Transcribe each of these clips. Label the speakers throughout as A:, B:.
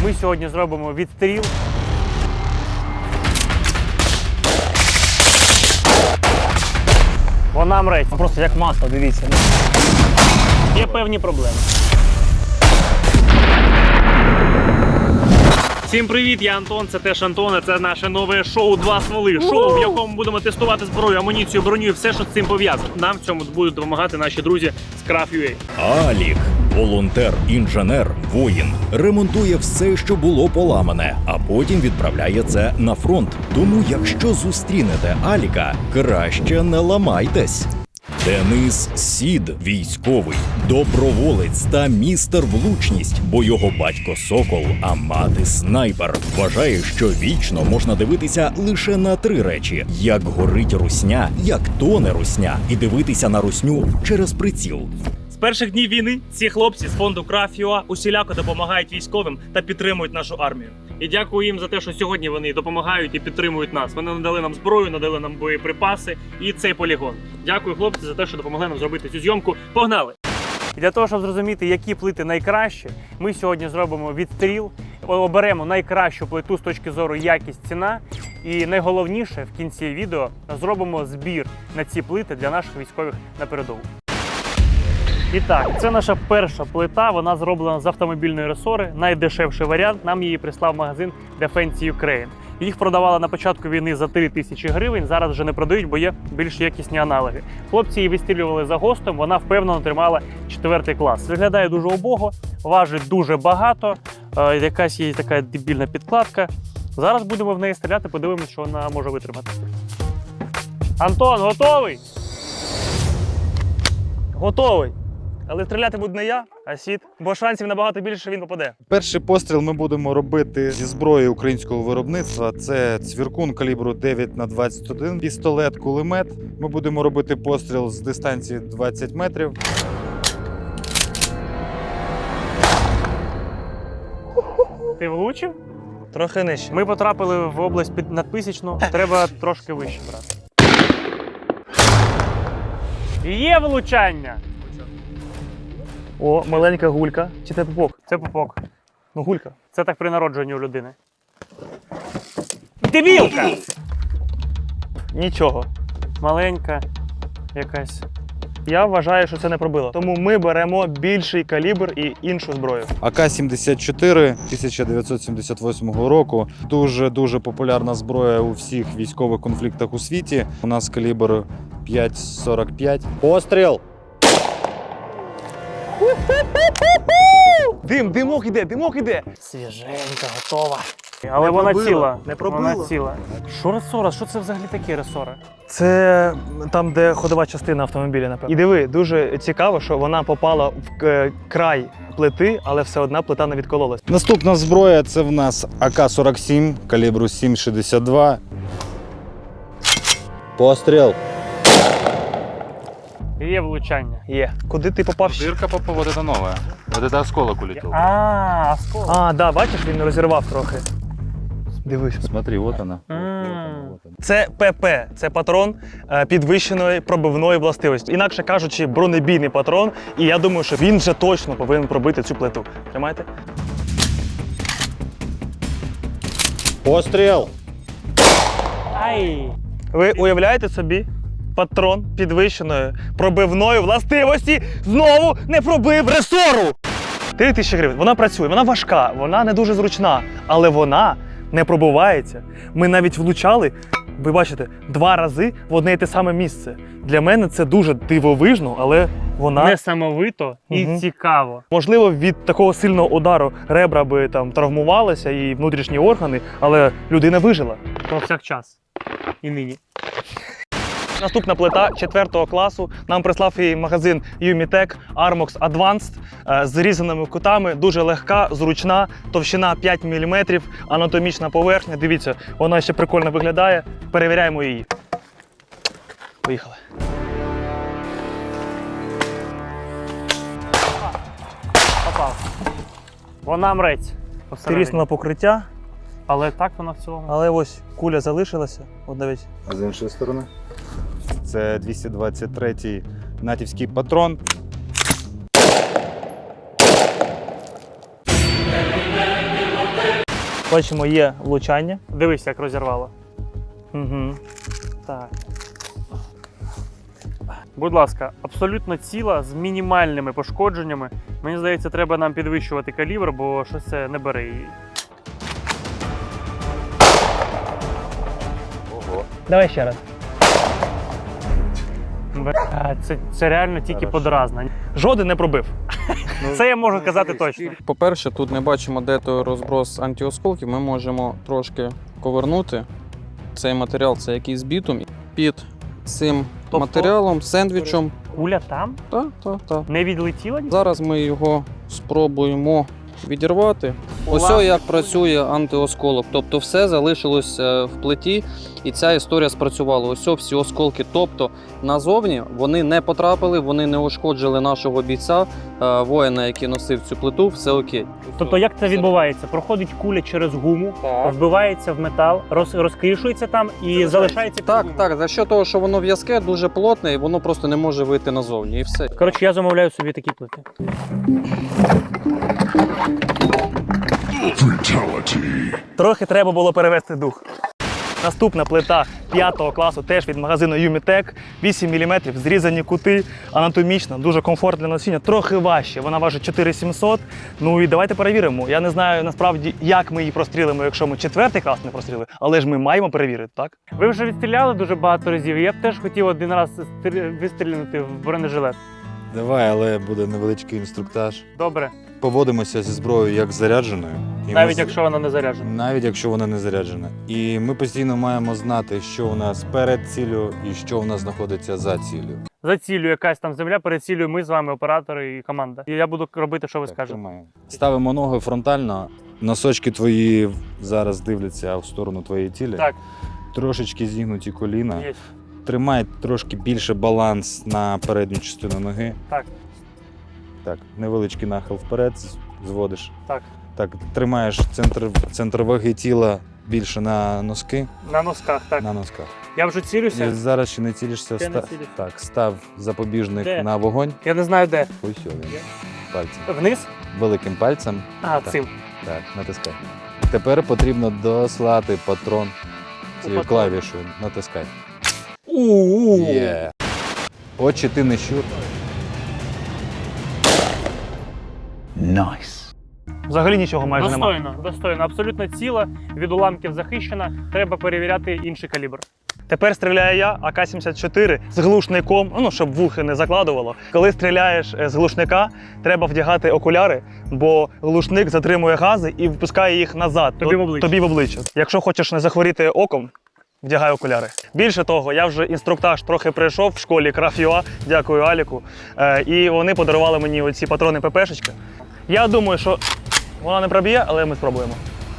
A: Ми сьогодні зробимо відстріл. Вона мрець.
B: Просто як масло, дивіться.
A: Є певні проблеми. Всім привіт, я Антон, це теж Антон, це наше нове шоу «Два стволи». Шоу, в якому будемо тестувати зброю, амуніцію, броню і все, що з цим пов'язано. Нам в цьому будуть допомагати наші друзі з Craft.ua.
C: Алік – волонтер, інженер, воїн. Ремонтує все, що було поламане, а потім відправляє це на фронт. Тому, якщо зустрінете Аліка, краще не ламайтесь. Денис Сід – військовий, доброволець та містер влучність, бо його батько Сокол, а мати снайпер. Вважає, що вічно можна дивитися лише на три речі: як горить русня, як тоне русня, і дивитися на русню через приціл.
A: З перших днів війни ці хлопці з фонду Craft.ua усіляко допомагають військовим та підтримують нашу армію. І дякую їм за те, що сьогодні вони допомагають і підтримують нас. Вони надали нам зброю, надали нам боєприпаси і цей полігон. Дякую, хлопці, за те, що допомогли нам зробити цю зйомку. Погнали! І для того, щоб зрозуміти, які плити найкращі, ми сьогодні зробимо відстріл, оберемо найкращу плиту з точки зору якість-ціна. І найголовніше, в кінці відео зробимо збір на ці плити для наших військових на передову. І так, це наша перша плита, вона зроблена з автомобільної ресори, найдешевший варіант, нам її прислав магазин Defense Ukraine. Їх продавали на початку війни за 3000 гривень, зараз вже не продають, бо є більш якісні аналоги. Хлопці її вистрілювали за ГОСТом, вона впевнено тримала 4 клас. Виглядає дуже убого, важить дуже багато, якась є така дебільна підкладка. Зараз будемо в неї стріляти, подивимось, що вона може витримати. Антон, готовий? Готовий. Але стріляти буду не я, а Сід, бо шансів набагато більше, що він попаде.
D: Перший постріл ми будемо робити зі зброї українського виробництва. Це цвіркун калібру 9х21, пістолет, кулемет. Ми будемо робити постріл з дистанції 20 метрів.
A: Ти влучив?
B: Трохи нижче.
A: Ми потрапили в область під надписічну, треба трошки вище брати. Є влучання!
B: О, маленька гулька. Чи це пупок?
A: Це пупок.
B: Ну, гулька.
A: Це так при народженні у людини. Дебілка!
B: Нічого.
A: Маленька якась.
B: Я вважаю, що це не пробило. Тому ми беремо більший калібр і іншу зброю.
D: АК-74 1978 року. Дуже популярна зброя у всіх військових конфліктах у світі. У нас калібр 5,45. Постріл!
B: Димок іде.
A: Свіженька, готова. Але вона
B: пробила,
A: ціла.
B: не пробила.
A: Вона ціла. Що ресора? Що це взагалі таке ресора?
B: Це там, де ходова частина автомобіля, напевно. І диви, дуже цікаво, що вона попала в край плити, але все одна плита не відкололась.
D: Наступна зброя – це в нас АК-47 калібру 7,62. Постріл!
A: Є влучання.
B: Є. Куди ти попав?
E: Дырка вот это новая. Вот это осколок улетел.
A: А, осколок.
B: А, да, бачиш, він розірвав трохи. Дивись.
D: Смотри, вот она.
B: Це ПП, це патрон підвищеної пробивної властивості. Інакше кажучи, бронебійний патрон. І я думаю, що він вже точно повинен пробити цю плиту. Тримайте.
D: Постріл!
A: Ай!
B: Ви уявляєте собі? Патрон підвищеної пробивної властивості знову не пробив ресору! 3000 гривень. Вона працює, вона важка, вона не дуже зручна, але вона не пробивається. Ми навіть влучали, ви бачите, 2 рази в одне і те саме місце. Для мене це дуже дивовижно, але вона...
A: Несамовито і цікаво.
B: Можливо, від такого сильного удару ребра би там травмувалися і внутрішні органи, але людина вижила.
A: Повсякчас. І нині.
B: Наступна плита 4 класу. Нам прислав її магазин Umitech Armox Advanced з різаними кутами. Дуже легка, зручна, товщина 5 мм, анатомічна поверхня. Дивіться, вона ще прикольно виглядає. Перевіряємо її. Поїхали.
A: Попав. Вона мрець.
B: Тріснуло покриття,
A: Але так вона в цілому.
B: але ось куля залишилася. От навіть.
D: А з іншої сторони? Це 223-й натівський патрон.
B: Бачимо, є влучання. Дивись, як розірвало. Угу. Так. Будь ласка, абсолютно ціла, з мінімальними пошкодженнями. Мені здається, треба нам підвищувати калібр, бо щось це не бере її.
E: Ого.
B: Давай ще раз. Це реально тільки
E: Хорошо.
B: подразна. Жоден не пробив. Це я можу казати точно.
F: По-перше, тут не бачимо, де той розброс антиосколків. Ми можемо трошки ковернути. Цей матеріал це якийсь бітум. Під цим матеріалом, сендвічем.
B: Куля там?
F: Так.
B: Не відлетіла?
F: Зараз ми його спробуємо відірвати. Ось як працює антиосколок. Тобто все залишилось в плиті, і ця історія спрацювала. Ось всі осколки. Тобто назовні вони не потрапили, вони не ушкоджили нашого бійця, воїна, який носив цю плиту, все окей.
B: Тобто як це відбувається? Проходить куля через гуму, вбивається в метал, розкришується там і залишається.
F: Так, за що того, що воно в'язке, дуже плотне, і воно просто не може вийти назовні, і все.
B: Коротше, я замовляю собі такі плити. Трохи треба було перевести дух. Наступна плита 5 класу, теж від магазину Юмітек, 8 мм, зрізані кути, анатомічна, дуже комфортне носіння, трохи важче, вона важить 4700. Ну і давайте перевіримо. Я не знаю насправді, як ми її прострілимо, якщо ми 4 клас не простріли, але ж ми маємо перевірити, так? Ви вже відстріляли дуже багато разів, я б теж хотів один раз вистрілити в бронежилет.
D: Давай, але буде невеличкий інструктаж.
B: Добре,
D: Поводимося зі зброєю як зарядженою. І
B: навіть
D: ми-
B: якщо вона не заряджена.
D: Навіть якщо вона не заряджена. І ми постійно маємо знати, що у нас перед ціллю і що у нас знаходиться за ціллю.
B: За ціллю якась там земля, перед ціллю ми з вами, оператори і команда. І я буду робити, що ви
D: Так,
B: скажете.
D: тримаємо. Ставимо ноги фронтально. Носочки твої зараз дивляться в сторону твоєї цілі.
B: Так.
D: Трошечки зігнуті коліна.
B: Є.
D: Тримай трошки більше баланс на передню частину ноги.
B: Так.
D: Так, невеличкий нахил вперед зводиш.
B: Так.
D: Так, тримаєш центр ваги тіла більше на носки.
B: На носках, так.
D: На носках.
B: Я вже цілюся.
D: І зараз ще не цілишся.
B: Ще не цілюсь.
D: Так, став запобіжник
B: Де?
D: на вогонь.
B: Я не знаю де.
D: Ось він.
B: Є?
D: Пальцем.
B: Вниз?
D: Великим пальцем.
B: А,
D: Так.
B: цим.
D: Так, натискай. Тепер потрібно дослати патрон цією
B: патрон.
D: клавішою. Натискай.
B: У-у-у.
D: Є. Очі ти не щур.
B: Взагалі нічого майже немає. Достойно, абсолютно ціла, від уламків захищена. Треба перевіряти інший калібр. Тепер стріляю я АК-74 з глушником, ну, щоб вухи не закладувало. Коли стріляєш з глушника, треба вдягати окуляри, бо глушник затримує гази і випускає їх назад. Тобі в обличчя. Якщо хочеш не захворіти оком, вдягай окуляри. Більше того, я вже інструктаж трохи пройшов в школі Craft.ua, дякую Аліку, і вони подарували мені оці патрони ППшечки. Я думаю, що вона не проб'є, але ми спробуємо.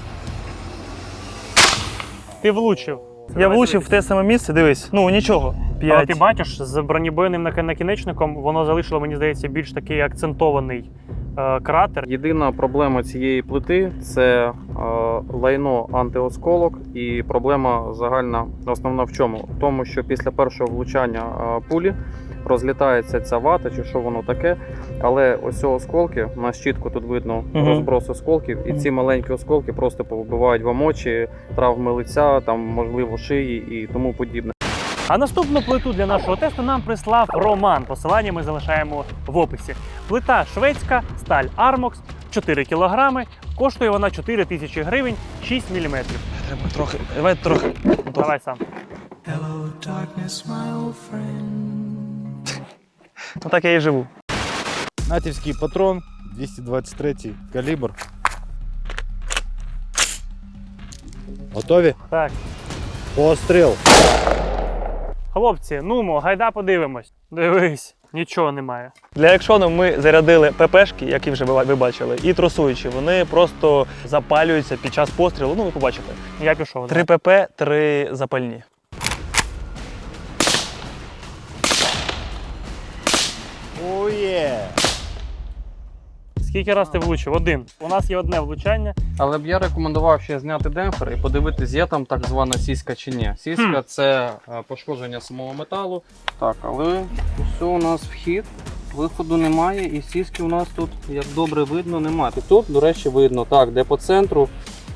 B: Ти влучив. Я влучив в те саме місце, дивись, ну нічого. Але ти бачиш, з бронебойним накінечником воно залишило, мені здається, більш такий акцентований кратер.
F: Єдина проблема цієї плити це лайно антиосколок, і проблема загальна основна в чому? В тому, що після першого влучання пулі розлітається ця вата, чи що воно таке, але ось осколки, у нас чітко тут видно розброс осколків, і ці маленькі осколки просто повбивають вам очі, травми лиця, там, можливо, шиї і тому подібне.
B: А наступну плиту для нашого тесту нам прислав Роман. Посилання ми залишаємо в описі. Плита шведська, сталь Armox, 4 кілограми. Коштує вона 4 тисячі гривень, 6 міліметрів. Треба трохи, давай трохи. Давай сам. Ну так я і живу.
D: Натівський патрон, 223 калібр. Готові?
B: Так.
D: Постріл.
B: Хлопці, нумо, гайда подивимось. Дивись, нічого немає. Для екшону ми зарядили ППшки, які вже ви бачили, і тросуючі. Вони просто запалюються під час пострілу. Ну, ви побачите. Я пішов. 3 ПП, 3 запальні.
D: Оє!
B: Скільки раз ти влучив? Один. У нас є одне влучання.
F: Але б я рекомендував ще зняти демпфер і подивитись, є там так звана сіська чи ні. Сіська це пошкодження самого металу. Так, але все у нас вхід, виходу немає, і сіськи у нас тут, як добре видно, немає. І тут, до речі, видно, так, де по центру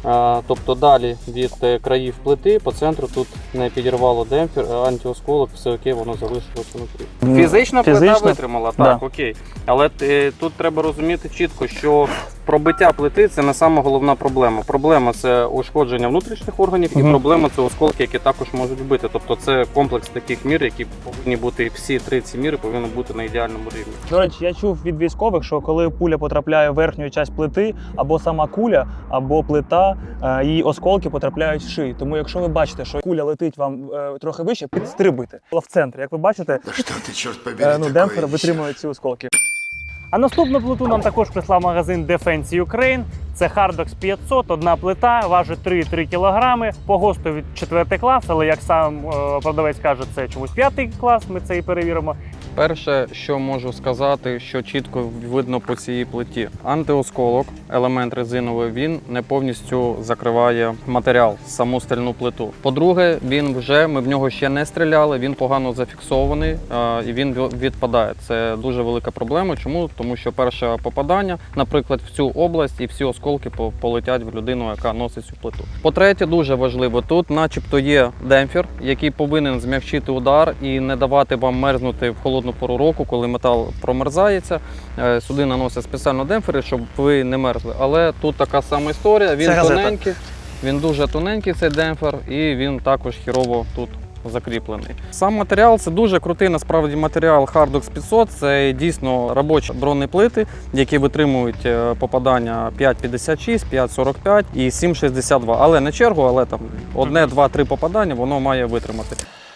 F: Тобто далі від країв плити по центру тут не підірвало демпфер, антиосколок, все окей, воно залишилося внутрі. Фізична плита
B: Фізично?
F: витримала, так, окей. Але тут треба розуміти чітко, що пробиття плити це не сама головна проблема. Проблема це ушкодження внутрішніх органів, і проблема це осколки, які також можуть вбити. Тобто це комплекс таких мір, які повинні бути, всі 3 ці міри повинні бути на ідеальному рівні.
B: До речі, я чув від військових, що коли пуля потрапляє в верхню частину плити, або сама куля, або плита, її осколки потрапляють в шию. Тому якщо ви бачите, що куля летить вам трохи вище, підстрибуйте. В центрі, як ви бачите, демпфер витримує ці осколки.
A: А наступну плиту нам також прислав магазин Defense Ukraine. Це Hardox 500, одна плита, важить 3,3 кг, по ГОСТу від 4 клас, але як сам продавець каже, це чомусь 5 клас, ми це і перевіримо.
F: Перше, що можу сказати, що чітко видно по цій плиті. Антиосколок, елемент резиновий, він не повністю закриває матеріал, саму стальну плиту. По-друге, ми в нього ще не стріляли, він погано зафіксований і він відпадає. Це дуже велика проблема. Чому? Тому що перше попадання, наприклад, в цю область і всі осколки полетять в людину, яка носить цю плиту. По-третє, дуже важливо, тут начебто є демпфер, який повинен змягчити удар і не давати вам мерзнути в холодну пору року, коли метал промерзається. Сюди наносять спеціально демпфери, щоб ви не мерзли. Але тут така сама історія, він тоненький, він дуже тоненький, цей демпфер, і він також хірово тут закріплений. Сам матеріал – це дуже крутий насправді матеріал Hardox 500. Це дійсно робочі бронеплити, які витримують попадання 5,56, 5,45 і 7,62. Але не чергу, але там 1, 2, 3 попадання воно має витримати.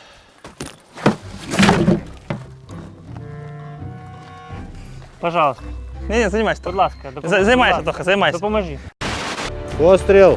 A: Пожалуйста,
B: Ні, займайся.
A: будь ласка,
B: Займайся трохи, займайся.
A: Допоможи.
D: Постріл!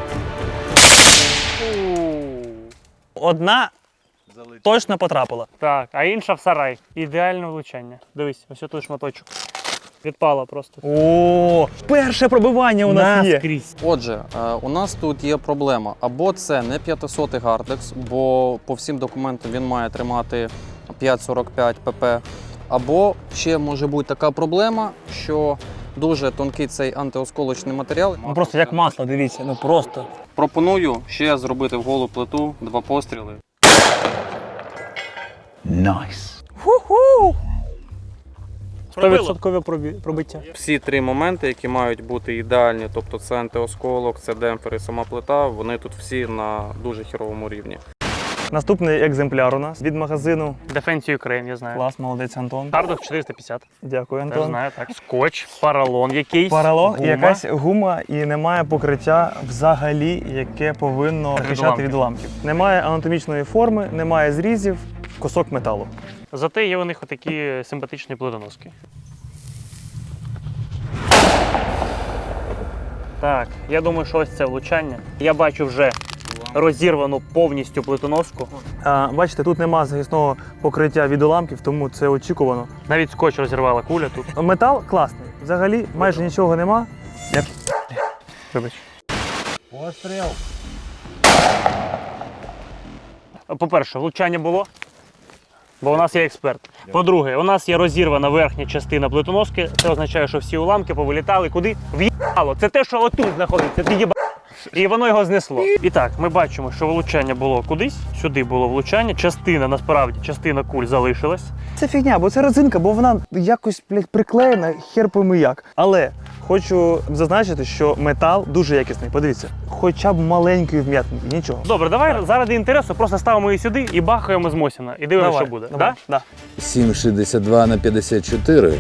B: Одна точно потрапила.
A: Так, а інша в сарай. Ідеальне влучання. Дивись, ось тут шматочок. Відпала просто.
B: О, перше пробивання у нас є.
A: Наскрізь.
F: Отже, у нас тут є проблема. Або це не 500 Hardox, бо по всім документам він має тримати 5,45 pp. Або ще може бути така проблема, що дуже тонкий цей антиосколочний матеріал.
B: Ну просто як масло, дивіться, ну просто.
F: Пропоную ще зробити в голу плиту 2 постріли.
B: Ху-ху!
A: 100% пробиття.
F: Всі 3 моменти, які мають бути ідеальні, тобто це антиосколок, це демпфер і сама плита, вони тут всі на дуже хіровому рівні.
B: Наступний екземпляр у нас від магазину.
A: Defense Ukraine, я знаю.
B: Клас, молодець, Антон.
A: Hardox 450.
B: Дякую,
A: Теж
B: Антон.
A: знаю, так. Скотч, поролон якийсь.
B: Поролон і
A: гума.
B: якась гума, і немає покриття взагалі, яке повинно захищати від уламків. Немає анатомічної форми, немає зрізів, кусок металу.
A: Зате є у них отакі симпатичні плитоноски. Так, я думаю, що ось це влучання. Я бачу вже розірвану повністю плитоноску.
B: Бачите, тут нема захисного покриття від уламків, тому це очікувано.
A: Навіть скотч розірвала куля тут.
B: Метал класний. Взагалі майже нічого нема.
A: Вибач.
D: Постріл!
A: По-перше, влучання було, бо у нас є експерт. По-друге, у нас є розірвана верхня частина плитоноски. Це означає, що всі уламки повилітали куди? В'їбало. Це те, що отут знаходиться. Ти їба... І воно його знесло. І так, ми бачимо, що влучання було кудись. Сюди було влучання. Частина куль залишилась.
B: Це фігня, бо це резинка, бо вона якось, блядь, приклеєна, хер пойми як. Але хочу зазначити, що метал дуже якісний. Подивіться, хоча б маленький вм'ятний, і нічого.
A: Добре, давай заради інтересу просто ставимо її сюди і бахаємо з Мосіна. І дивимося, що буде.
B: Давай.
A: Да?
G: 7,62 на 54.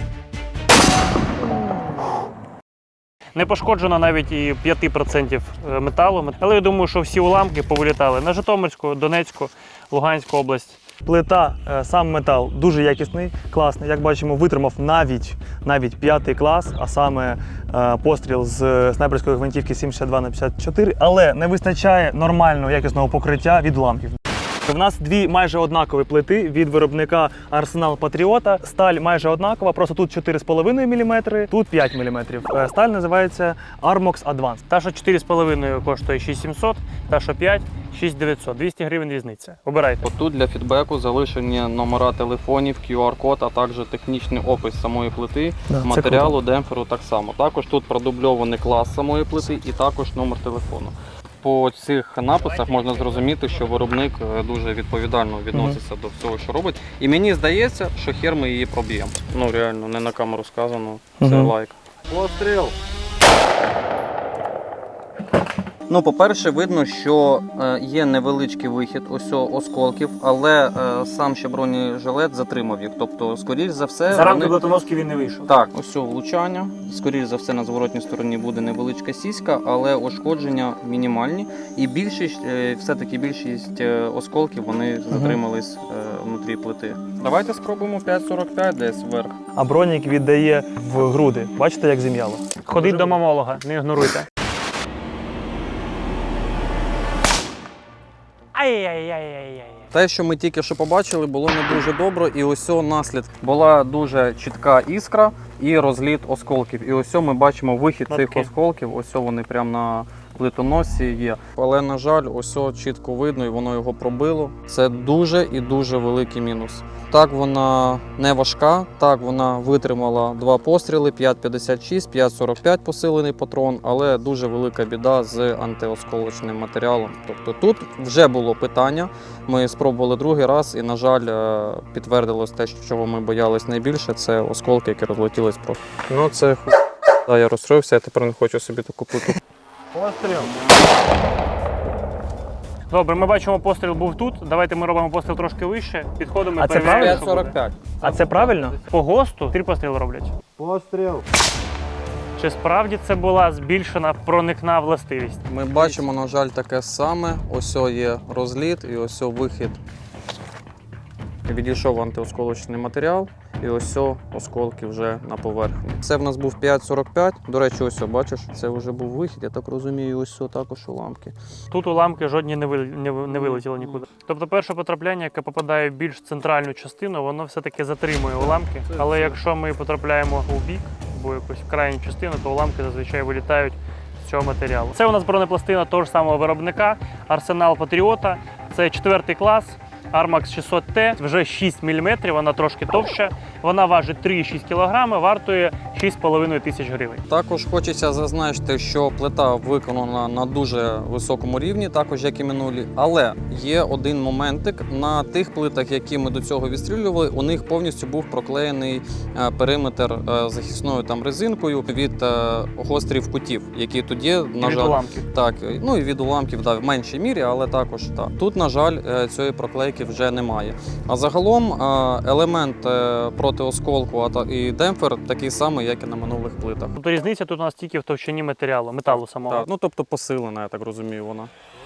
A: Не пошкоджено навіть і 5% металу. Але я думаю, що всі уламки повилітали на Житомирську, Донецьку, Луганську область.
B: Плита, сам метал дуже якісний, класний. Як бачимо, витримав навіть 5 клас, а саме постріл з снайперської гвинтівки 7,62 на 54, але не вистачає нормального якісного покриття від уламків. У нас дві майже однакові плити від виробника Arsenal Patriota. Сталь майже однакова, просто тут 4,5 мм, тут 5 мм. Сталь називається Armox Advanced.
A: Та, що 4,5 коштує 6700,
B: Та що 5, 6900, 200 гривень різниця. Обирайте.
F: Тут для фідбеку залишені номера телефонів, QR-код, а також технічний опис самої плити,
B: Да, це
F: матеріалу, демпферу так само. Також тут продубльований клас самої плити і також номер телефону. По цих написах можна зрозуміти, що виробник дуже відповідально відноситься до всього, що робить. І мені здається, що хер ми її проб'ємо. Ну реально, не на камеру сказано, це лайк. Постріл! Ну, по-перше, видно, що є невеличкий вихід ось осколків, але сам ще бронежилет затримав їх. Тобто, скоріш за все,
B: За рамки плитоноски він не вийшов.
F: так, ось влучання. Скоріш за все, на зворотній стороні буде невеличка сіська, але ушкодження мінімальні. І все-таки більшість осколків вони затримались внутрі плити. Давайте спробуємо 5,45 десь вверх.
B: А бронік віддає в груди. Бачите, як зім'яло? Ходіть до мамолога, не ігноруйте. Ай-яй-яй-яй-яй.
F: Те, що ми тільки що побачили, було не дуже добре. І ось наслідок. Була дуже чітка іскра і розліт осколків. І ось ми бачимо вихід цих осколків. Ось вони прямо на плитоносі є. Але, на жаль, ось чітко видно і воно його пробило. Це дуже і дуже великий мінус. Так, вона не важка, так, вона витримала 2 постріли, 5,56, 5,45 посилений патрон, але дуже велика біда з антиосколочним матеріалом. Тобто тут вже було питання, ми спробували другий раз і, на жаль, підтвердилось те, чого ми боялись найбільше, це осколки, які розлетілись просто. Ну це да, я розстроївся, я тепер не хочу собі таку плиту.
B: Постріл. Добре, ми бачимо, постріл був тут. Давайте ми робимо постріл трошки вище. Підходимо і перевіряємо.
F: 5,45.
B: А це правильно? По ГОСТу 3 постріли роблять.
D: Постріл.
B: Чи справді це була збільшена проникна властивість?
F: Ми бачимо, на жаль, таке саме. Ось є розліт і ось вихід. Відійшов антиосколочний матеріал і ось осколки вже на поверхні. Це в нас був 5,45. До речі, ось бачиш, це вже був вихід, я так розумію, ось також уламки.
B: Тут уламки жодні не вилетіли нікуди. Тобто перше потрапляння, яке попадає в більш центральну частину, воно все-таки затримує уламки. Але якщо ми потрапляємо у бік, або якусь крайню частину, то уламки зазвичай вилітають з цього матеріалу. Це у нас бронепластина того ж самого виробника, Арсенал Патріота. Це 4 клас. Armax 600T, вже 6 мм, вона трошки товща, вона важить 3,6 кг, вартує 6,5 тисяч гривень.
F: Також хочеться зазначити, що плита виконана на дуже високому рівні, також як і минулі. Але є один моментик, на тих плитах, які ми до цього відстрілювали, у них повністю був проклеєний периметр захисною там резинкою від гострів кутів, які тут є, на жаль,
B: уламків.
F: Так, ну і від уламків, да, в меншій мірі, але також так. Тут, на жаль, цієї проклейки вже немає. А загалом елемент проти осколку і демпфер такий самий, як і на минулих плитах.
B: Тобто різниця тут у нас тільки в товщині металу самого.
F: Так, ну тобто посилена, я так розумію, вона.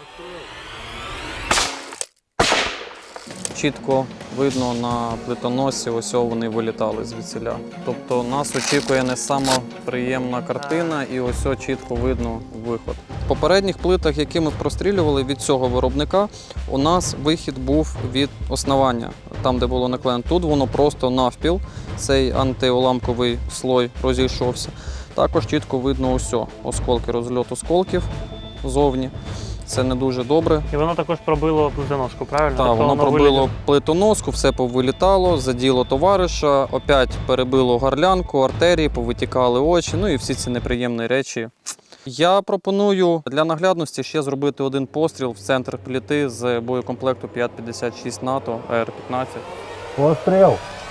F: Чітко видно на плитоносі, ось вони вилітали звідсіля. Тобто нас очікує не сама приємна картина і ось чітко видно виход. В попередніх плитах, які ми прострілювали від цього виробника, у нас вихід був від основання, там де було наклеєно. Тут воно просто навпіл, цей антиуламковий слой розійшовся. Також чітко видно осколки, розльот осколків ззовні. Це не дуже добре.
B: І воно також пробило плитоноску, правильно?
F: Так, воно пробило плитоноску, все повилітало, заділо товариша, опять перебило горлянку, артерії, повитікали очі, ну і всі ці неприємні речі. Я пропоную для наглядності ще зробити один постріл в центр плити з боєкомплекту 5,56 НАТО АР-15.
D: Постріл.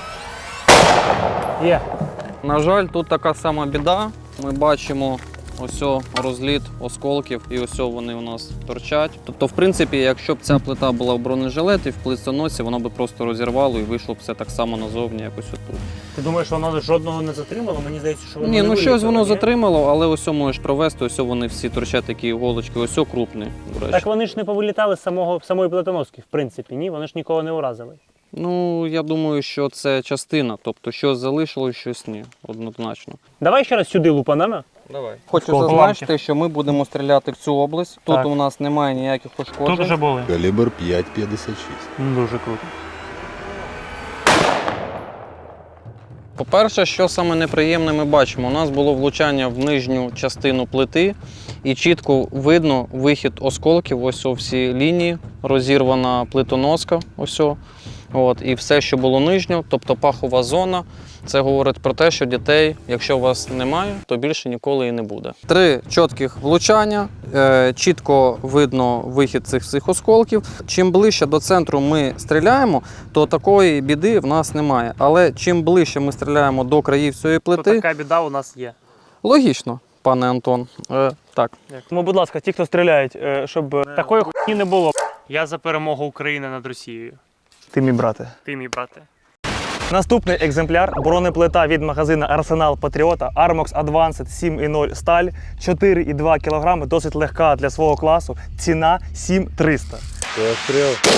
B: Є.
F: На жаль, тут така сама біда. Ми бачимо ось розліт осколків і ось вони у нас торчать. Тобто, в принципі, якщо б ця плита була в бронежилеті, в плитоносі, воно б просто розірвало і вийшло б все так само назовні, якось отут.
B: Ти думаєш, воно жодного не затримало? Мені здається, що воно
F: Ні,
B: не
F: ну щось
B: вилетіло,
F: воно
B: ні?
F: затримало, але ось можеш провести, ось вони всі торчать такі іголочки, ось крупний, до речі.
B: Так вони ж не повилітали з самої плитоноски, в принципі, ні? Вони ж нікого не уразили.
F: Ну, я думаю, що це частина, тобто щось залишилось, щось ні, однозначно.
B: Давай ще раз сюди лупанемо.
F: Давай. Хочу
B: Скільки
F: зазначити, що ми будемо стріляти в цю область. Тут
B: Так.
F: у нас немає ніяких пошкоджень.
B: Тут вже були.
G: Калібр 5,56.
B: Дуже круто.
F: По-перше, що саме неприємне ми бачимо, у нас було влучання в нижню частину плити і чітко видно вихід осколків, ось всі лінії, розірвана плитоноска, ось. От, і все, що було нижньо, тобто пахова зона, це говорить про те, що дітей, якщо у вас немає, то більше ніколи і не буде. 3 чітких влучання, чітко видно вихід цих всіх осколків. Чим ближче до центру ми стріляємо, то такої біди в нас немає. Але чим ближче ми стріляємо до країв цієї
A: То
F: плити,
A: така біда у нас є.
F: логічно, пане Антон. Так.
B: Тому, будь ласка, ті, хто стріляють, щоб
A: Такої хуйні не було. Я за перемогу України над Росією.
B: ти, мій брате.
A: Ти, мій брате.
B: Наступний екземпляр – бронеплита від магазину Арсенал Патріота Armox Advanced 7.0 сталь, 4,2 кг, досить легка для свого класу, ціна 7300.
D: Постріл.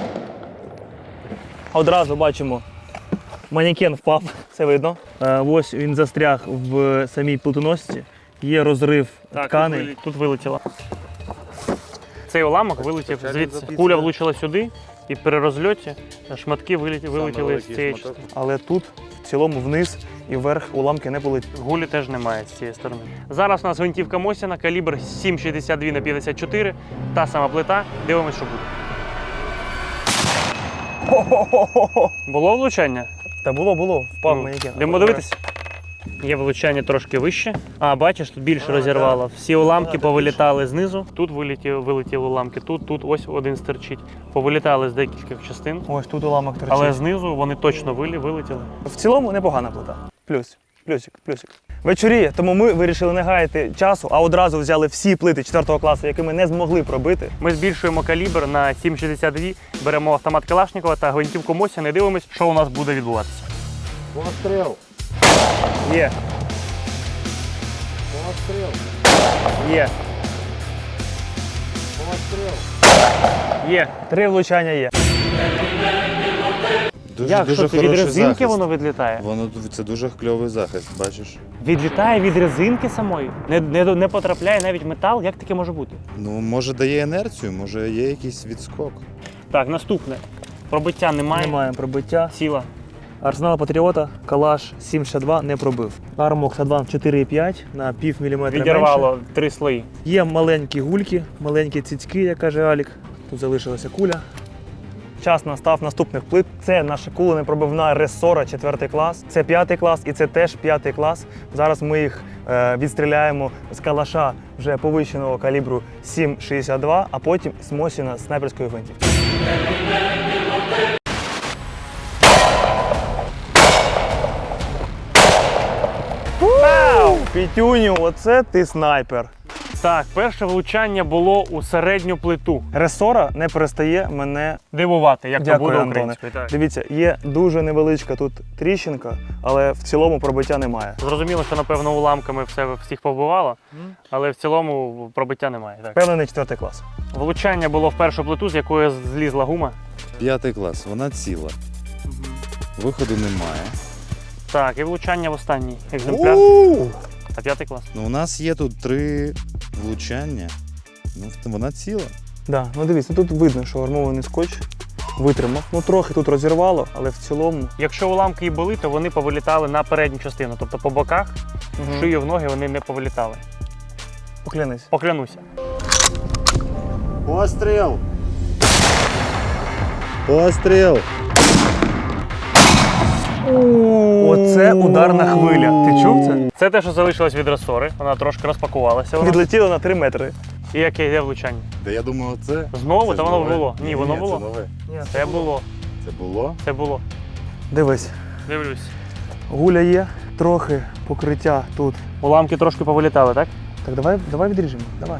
B: Одразу бачимо, манекен впав, це видно. Ось він застряг в самій плитоносці, є розрив тканей.
A: Тут вилетіло. Цей уламок вилетів звідси. Куля влучила сюди, і при розльоті шматки вилетіли з цієї частини.
B: Але тут в цілому вниз і вверх уламки не полетіли.
A: Гулі теж немає з цієї сторони. Зараз у нас гвинтівка Мосіна, калібр 7,62 на 54, та сама плита. Дивимось, що буде. Було влучання?
B: Та було, впав манекен.
A: Йдемо дивитися. Є влучання трошки вище. А, бачиш, тут більше розірвало. Всі уламки повилітали знизу. Тут вилетіли уламки, тут ось один стирчить. Повилітали з декількох частин.
B: Ось тут уламок торчить.
A: Але знизу вони точно вилетіли.
B: В цілому непогана плита. Плюсик. Вечоріє, тому ми вирішили не гаяти часу, а одразу взяли всі плити 4 класу, які ми не змогли пробити.
A: Ми збільшуємо калібр на 7,62, беремо автомат Калашникова та гвинтівку Мосіна і дивимось, що у нас буде відбуватися.
D: Постріл.
B: Є.
D: Постріл.
B: Є.
D: Постріл.
A: Є.
B: 3 влучання є.
A: Як, що це, від резинки воно відлітає?
D: Це дуже кльовий захист, бачиш?
A: Відлітає від резинки самої? Не потрапляє навіть метал? Як таке може бути?
D: Ну, може дає інерцію, може є якийсь відскок.
A: Так, наступне. Пробиття немає.
B: Немає пробиття.
A: Ціла.
B: Арсенал Патріота, калаш 7,62 не пробив. Armox Advanced 4,5 на пів міліметра
A: Відірвало
B: менше.
A: 3 слої.
B: Є маленькі гульки, маленькі цицьки, як каже Алік. Тут залишилася куля. Час настав наступних плит. Це наша куленепробивна ресора 4 клас, це 5 клас і це теж 5 клас. Зараз ми їх відстріляємо з калаша вже повищеного калібру 7,62, а потім з Мосіна снайперської гвинтівки. Вау! Пітюню, оце ти снайпер.
A: Так, перше влучання було у середню плиту.
B: Ресора не перестає мене
A: Дивувати, як
B: Дякую,
A: то буде
B: Антоне.
A: українською. Так.
B: Дивіться, є дуже невеличка тут тріщинка, але в цілому пробиття немає.
A: Зрозуміло, що, напевно, уламками всіх побивало, але в цілому пробиття немає. Так.
B: Впевнений 4 клас.
A: Влучання було в першу плиту, з якої злізла гума.
D: 5 клас, вона ціла. Виходу немає.
A: Так, і влучання в останній екземпляр. А 5 клас.
D: Ну, у нас є тут 3 влучання. Ну, вона ціла.
B: Да, ну дивіться, тут видно, що армований скотч витримав. Ну трохи тут розірвало, але в цілому.
A: Якщо уламки і були, то вони повилітали на передню частину, тобто по боках, в шию, в ноги вони не повилітали.
B: Поклянись.
A: Поклянуся.
D: Постріл! Постріл!
B: Оце ударна хвиля. Ти чув це?
A: Це те, що залишилось від ресори. Вона трошки розпакувалася.
B: Відлетіло на 3 метри.
A: І яке йде влучання?
D: Та я думав, це.
A: Знову?
D: Це
A: Та
D: ж
A: воно
D: нове.
A: було. Ні, воно
D: Це
A: було.
D: нове.
A: Це було.
D: Це було?
A: Це було.
B: Дивись,
A: Дивлюсь.
B: гуля є, трохи покриття тут.
A: Уламки трошки повилітали, так?
B: Так, давай відріжемо. Давай.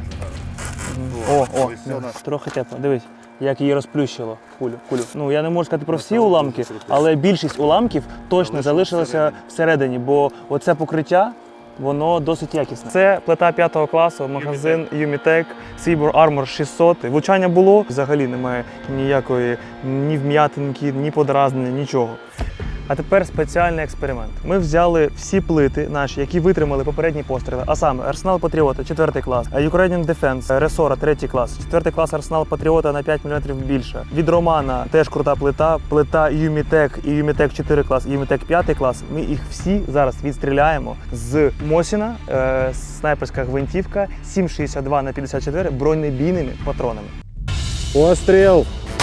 B: Трохи тепло. Дивись, як її розплющило кулю. Ну я не можу сказати про всі уламки, але більшість уламків точно залишилася всередині, бо оце покриття, воно досить якісне. Це плита 5 класу, магазин Umitech, Cyber Armor 600. Влучання було, взагалі немає ніякої ні вм'ятинки, ні подразнення, нічого. А тепер спеціальний експеримент. Ми взяли всі плити наші, які витримали попередні постріли, а саме Арсенал Патріота 4 клас, Ukrainian Defense, Ресора 3 клас, 4 клас Арсенал Патріота на 5 мм більше. Від Романа теж крута плита, плита Юмітек і Юмітек 4 клас, і Юмітек 5 клас. Ми їх всі зараз відстріляємо з Мосіна, снайперська гвинтівка 7,62 на 54 бронебійними патронами.
D: Постріл!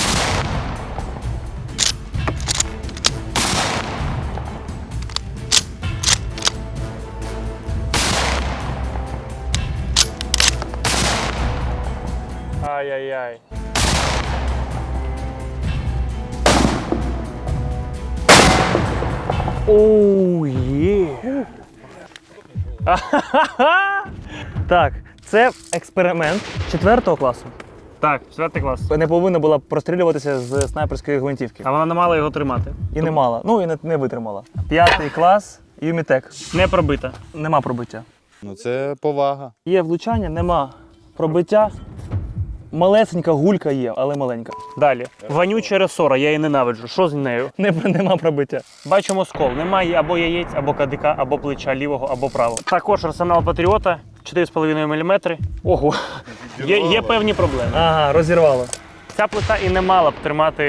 B: Ай-яй-яй. Оу, є. Так, це експеримент 4 класу.
A: Так, 4 клас.
B: Не повинна була прострілюватися з снайперської гвинтівки.
A: А вона не мала його тримати.
B: І не мала. Ну і не витримала. 5 клас, Юмітек.
A: Не пробита.
B: Нема пробиття.
D: Ну це повага.
B: Є влучання, нема пробиття. Малесенька гулька є, але маленька.
A: Далі. Вонюча ресора, я її ненавиджу. Що з нею?
B: Нема пробиття.
A: Бачимо скол. Немає або яєць, або кадика, або плеча лівого, або правого. Також Арсенал Патріота 4,5 мм. Ого. Є певні проблеми.
B: Ага, розірвало.
A: Ця плита і не мала б тримати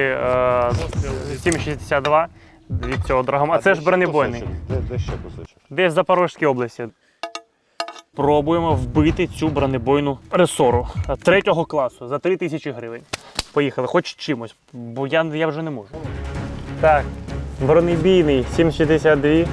A: 7,62 від цього драгома. Це ж бронебойний.
D: Де ще кусочок?
A: Десь в Запорізькій області. Пробуємо вбити цю бронебойну ресору 3 класу за 3000 гривень. Поїхали, хоч чимось, бо я вже не можу. Так, бронебійний 7,62.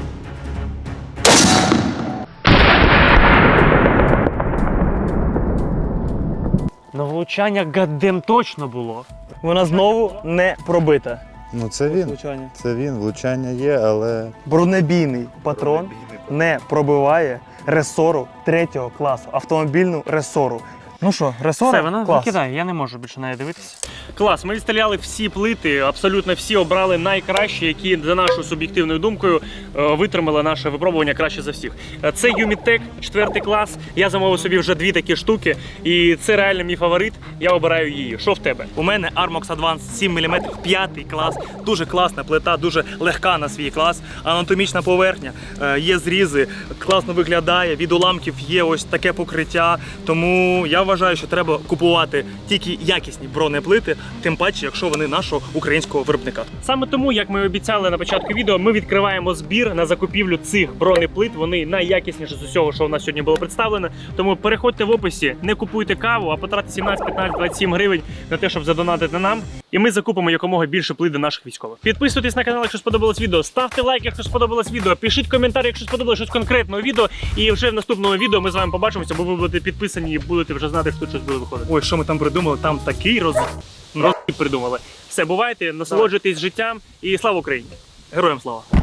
A: Ну, влучання гаддем точно було.
B: Вона знову не пробита.
D: Ну це він.
B: Влучання.
D: Це він. Влучання є, але
B: Бронебійний патрон не пробиває ресору 3 класу, автомобільну ресору. Ну що, ресора?
A: Все, вона
B: Клас.
A: викидає, я не можу більше на неї дивитися. Клас, ми відстріляли всі плити, абсолютно всі обрали найкращі, які, за нашою суб'єктивною думкою, витримали наше випробування краще за всіх. Це Юмітек 4 клас, я замовив собі вже 2 такі штуки, і це реально мій фаворит, я обираю її. Що в тебе?
B: У мене Armox Advance 7 мм 5 клас. Дуже класна плита, дуже легка на свій клас. Анатомічна поверхня, є зрізи, класно виглядає, від уламків є ось таке покриття. Тому я вважаю, що треба купувати тільки якісні бронеплити, тим паче, якщо вони нашого українського виробника.
A: Саме тому, як ми обіцяли на початку відео, ми відкриваємо збір на закупівлю цих бронеплит. Вони найякісніші з усього, що у нас сьогодні було представлено. Тому переходьте в описі, не купуйте каву, а потратьте 17, 15, 27 гривень на те, щоб задонатити нам. І ми закупимо якомога більше плит для наших військових. Підписуйтесь на канал, якщо сподобалось відео, ставте лайк, якщо сподобалось відео, пишіть коментар, якщо сподобалось щось конкретне у відео. І вже в наступному відео ми з вами побачимося, бо ви будете підписані і будете вже знати, що тут щось буде виходити.
B: Ой, що ми там придумали? Там такий
A: Придумали. Все, бувайте, насолоджуйтесь життям і слава Україні!
B: Героям слава!